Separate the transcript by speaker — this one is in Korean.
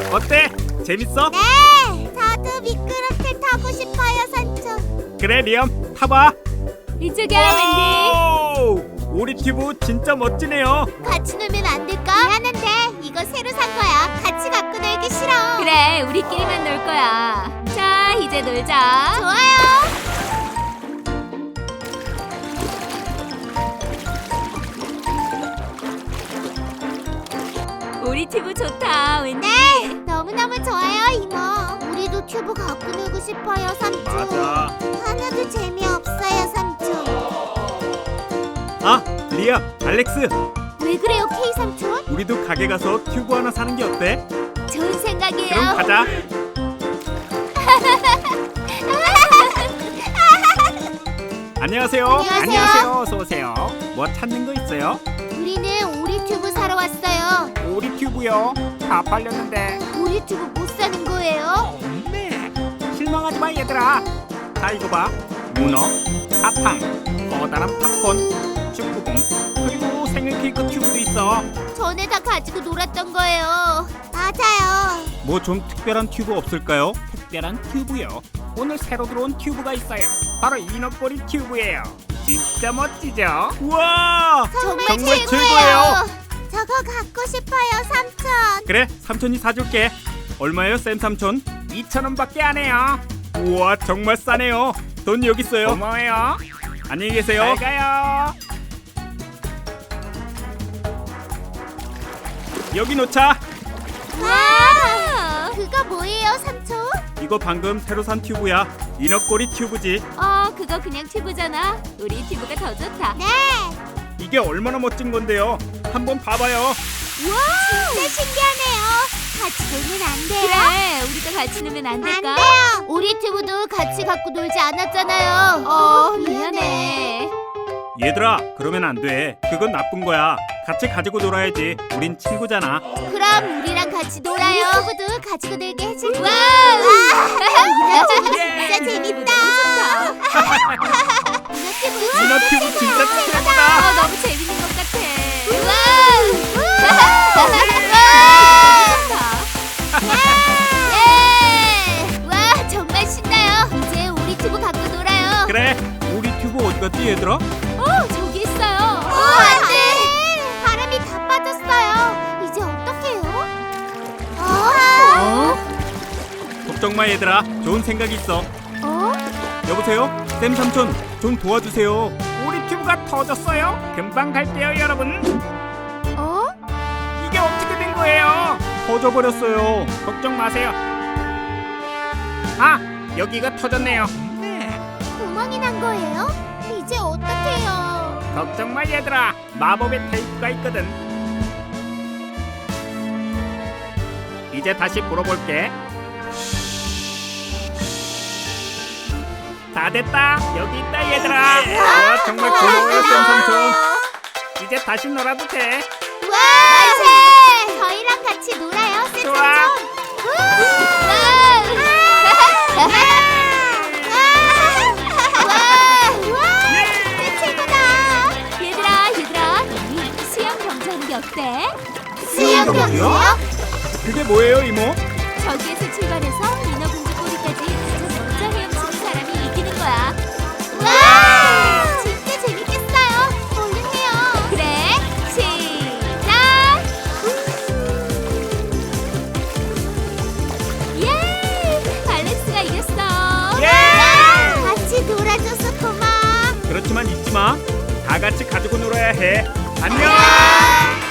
Speaker 1: 어때? 재밌어?
Speaker 2: 네, 저도 미끄럼틀 타고 싶어요, 삼촌.
Speaker 1: 그래 리엄 타봐.
Speaker 3: 이쪽이야, 웬디.
Speaker 1: 와우! 오리튜브 진짜 멋지네요.
Speaker 2: 같이 놀면 안 될까? 미안한데 이거 새로 산 거야. 같이 갖고 놀기 싫어.
Speaker 3: 그래, 우리끼리만 놀 거야. 자, 이제 놀자.
Speaker 2: 좋아요.
Speaker 3: 우리 튜브 좋다, 웬디.
Speaker 2: 네, 너무너무 좋아요, 이모. 우리도 튜브 갖고 놀고 싶어요, 삼촌.
Speaker 1: 맞아.
Speaker 2: 하나도 재미없어요, 삼촌.
Speaker 1: 아 리엄, 알렉스,
Speaker 2: 왜 그래요, K 삼촌?
Speaker 1: 우리도 가게 가서 튜브 하나 사는 게 어때?
Speaker 3: 좋은 생각이에요.
Speaker 1: 그럼 가자. 안녕하세요.
Speaker 2: 안녕하세요.
Speaker 1: 어서 오세요. 뭐 찾는 거 있어요?
Speaker 2: 우리는 오리 튜브 사러 왔어요.
Speaker 1: 오리튜브요. 다 팔렸는데.
Speaker 2: 오리 튜브 못 사는 거예요?
Speaker 1: 네. 실망하지 마 얘들아. 자 이거 봐. 문어, 사탕, 커다란 팝콘, 축구공, 그리고 생일 케이크 튜브도 있어.
Speaker 2: 전에 다 가지고 놀았던 거예요. 맞아요.
Speaker 1: 뭐 좀 특별한 튜브 없을까요? 특별한 튜브요. 오늘 새로 들어온 튜브가 있어요. 바로 이너꼬리 튜브예요. 진짜 멋지죠? 우와!
Speaker 2: 정말
Speaker 1: 정말
Speaker 2: 최고예요. 저거 갖고 싶어요, 삼촌.
Speaker 1: 그래, 삼촌이 사줄게. 얼마예요, 쌤 삼촌? 2,000원밖에 안 해요. 우와, 정말 싸네요. 돈 여기 있어요. 고마워요. 안녕히 계세요. 잘 가요. 여기 놓자.
Speaker 2: 와! 그거 뭐예요, 삼촌?
Speaker 1: 이거 방금 새로 산 튜브야. 이너꼬리 튜브지.
Speaker 3: 그거 그냥 튜브잖아. 우리 튜브가 더 좋다.
Speaker 2: 네.
Speaker 1: 이게 얼마나 멋진 건데요. 한번 봐봐요.
Speaker 2: 와! 진짜 신기하네요. 같이 놀면 안 돼요?
Speaker 3: 그래, 우리도 같이 놀면 안
Speaker 2: 안
Speaker 3: 될까?
Speaker 2: 돼요. 오리 튜브도 같이 갖고 놀지 않았잖아요.
Speaker 3: 미안해.
Speaker 1: 얘들아, 그러면 안 돼. 그건 나쁜 거야. 같이 가지고 놀아야지. 우린 친구잖아.
Speaker 2: 그럼 우리랑 같이 놀아요. 오리 튜브도 가지고 놀게 해줄게.
Speaker 3: 와우!
Speaker 2: 진짜 재밌다.
Speaker 1: 이너튜브 진짜 최고다.
Speaker 3: 너무 재밌는 것 같아.
Speaker 2: 예! 와, 정말 신나요. 이제 우리 튜브 갖고 놀아요.
Speaker 1: 그래, 우리 튜브 어디 갔지 얘들아?
Speaker 3: 저기 있어요.
Speaker 2: 안 돼. 바람이 다 빠졌어요. 이제 어떡해요?
Speaker 1: 걱정 마 얘들아. 좋은 생각이 있어. 여보세요? 쌤 삼촌, 좀 도와주세요. 우리 튜브가 터졌어요. 금방 갈게요 여러분. 이게 어떻게 된 거예요? 터져버렸어요. 걱정 마세요. 아, 여기가 터졌네요.
Speaker 2: 구멍이 난 거예요? 이제 어떡해요?
Speaker 1: 걱정 마 얘들아. 마법의 테이프가 있거든. 이제 다시 불어볼게. 다 됐다. 여기 있다 얘들아. 와, 정말 고마워요 쌤 삼촌. 이제 다시 놀아도 돼.
Speaker 2: 와! 만세! 저희랑 같이 놀아요, 쌤
Speaker 1: 좋아.
Speaker 2: 삼촌.
Speaker 3: 얘들아, 우리 수영 경주하는 게 어때?
Speaker 2: 수영 경주요?
Speaker 1: 그게 뭐예요 이모?
Speaker 3: 저기에서 출발해서 인어공주 꼬리까지 가장 먼저 헤엄치는 사람이 이기는 거야.
Speaker 2: 와! 진짜 재밌겠어요. 얼른 해요.
Speaker 3: 그래, 시작! 예! 알렉스가 이겼어.
Speaker 2: 같이 놀아줘서 고마워.
Speaker 1: 그렇지만 잊지 마. 다 같이 가지고 놀아야 해. 안녕.